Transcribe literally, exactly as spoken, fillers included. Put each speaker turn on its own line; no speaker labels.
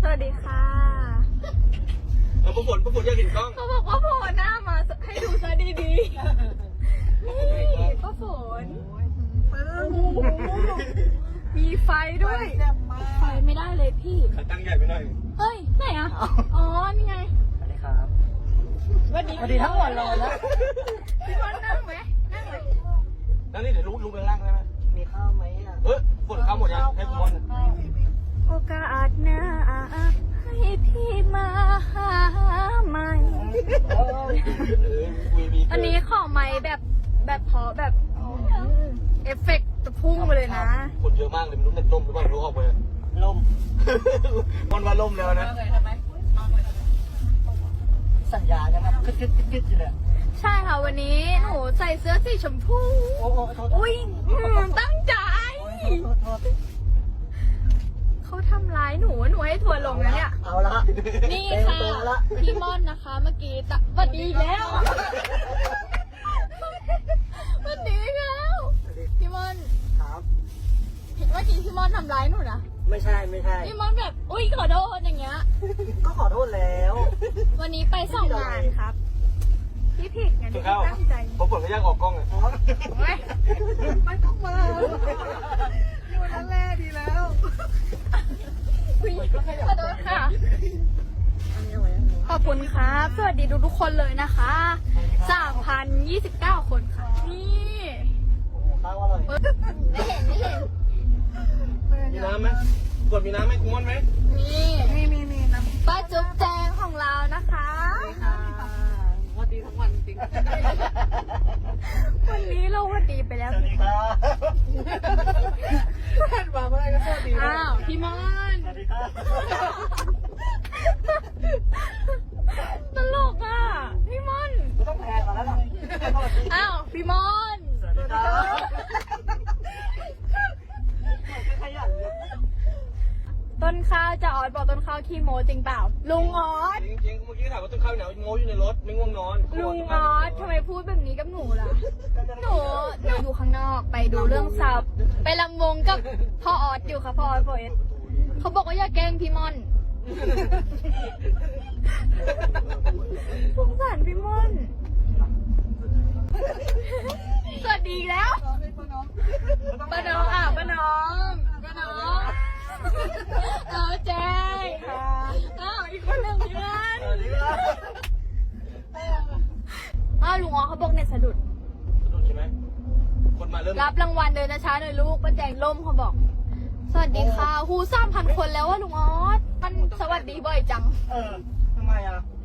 สวัสดีค่ะ
เอาประฝนประฝนอยากเห็นกล้อง
เขาบอกว่าโผล่หน้ามาให้ดูซะดีๆนี่ก็ฝนมีไฟด้วย ไฟไม่ได้เลยพี่
ขาตั้งใหญ่ไปหน่อย
เฮ้ยไหนอ่ะ อ๋อ นี่ไง
สวัสดีครับ
สวัสดี
สวัสดีทั้งวันเลยนะ
พี่บอลนั่งไหมนั่งไหม
แล้วนี่เดี๋ยวลุกลุกไปล่างได้ไหม
มีข้าวไหมอ่ะ
เออฝนเข้าหมดยังให้ผมบอล
โอกาสหน้าให้พี่มาหาใหม่
เออวีวี
อันนี้ของไม้แบบแบบเพาะแบบเอฟเฟกต์จะพุ่งไปเลยนะ
คนเยอะมากเลยไม่รู้เน็ตล่มหรือเปล่าไม่รู้ออกไป
ลม
มันว่าล่มแล้วนะ
สัญญาใช่ไหมกึดกึดกึดกึดอยู่เลย
ใช่ค่ะวันนี้หนูใส่เสื้อสีชมพู
โอ้โหโทษ
อุ้ยอืมตั้งใจ
โทษโทษ
เขาทำร้ายหนูหนูให้ทัวร์ลงนะเนี่ย
เอาละ
นี่ค่ะ
เต็มตัวละ
พี่ม่อนนะคะ เมื่อกี้ตะสวัสดีอีกแล้วสวัสดีอีกแล้วพี่ม่อน
ครับ
เห็นเมื่อกี้พี่ม่อนทำร้ายหนูนะ
ไม่ใช่ไม่ใช่
พี่ม่อนแบบอุ้ยขอโทษอย่างเงี้ย
ก็ขอโทษแล้ว
วันนี้ไปส่องงานครับ พี่ผิดไง
จุ
ที่
ดเข้า
ตั้งใจ
ประฝนก็ย่างออกกล้องอ่ะ
อ๋อ
เว้ย
ไม่ต้องมาอยู่นั่นแหละดีแล้ว
อุ๊ยขอโทษค่ะ
อันนี้เอาไว้อันนี้
ขอบคุณครับ สวัสดีทุกๆคนเลยนะคะสามพันยี่สิบเก้าคนค่ะ นี่
โอ้โหข้าวอร่อย
ไม่เห็นไม่เห็น
มีน้ำไหมฝนมีน้ำไหมคุณม่อนไหม
นี่
มีมีมีน้ำ
ป้าจุ๊บแจงของเรานะคะ
ค่ะวันดีทั้งวันจริง
วันนี้เราวันดีไปแล้ว
สวัสดีครับเพื่อนมาเมื่อไหร่ก็สวัสดี
อ้าวพี่มอน
สวัสดีครับ
ตลกอ่ะพี่มอน
ไม่ต้องแพงกันแล้วล่ะ
อ้าวพี่มอน
สวัสดีครับขยันเลย
ต้นข้าวจะออดบอกต้นข้าวขี้โมจริงเปล่า ลุงออด
จริงจริงเมื่อกี้ถามว่าต้นข้าวเหนียวโง่อยู่ในรถไม่ง่วงนอน
ลุงออสทำไมพูดแบบนี้กับหนูล่ะ หนูหนูอยู่ข้างนอกไปดูเรื่องซับไปลำวงกับพ่อออสอยู่ค่ะพ่อออสโฟเอสเขาบอกว่าอย่าแกล้งพี่ม่อนสงสารพี่ม่อน สวัสดีอีกแล้วป้าน้องอ่ะป้าน้องป้าน้องเราแจ้งอ้าวอีกคนหนึ่งเพื่อน
สวัสดีครับ
อ้าวลุงอ๋อเขาบอกเน็ตสะดุด
สนุกใช่ไหมคนมาเริ่ม
รับรางวัลเดินนะช้าหน่อยลูกป้าแจงล่มเขาบอก สวัสดีค่ะหูสามพันคนแล้วว่าลุงออสมันสวัสดีบ่อยจัง
เออทำไมอ่ะ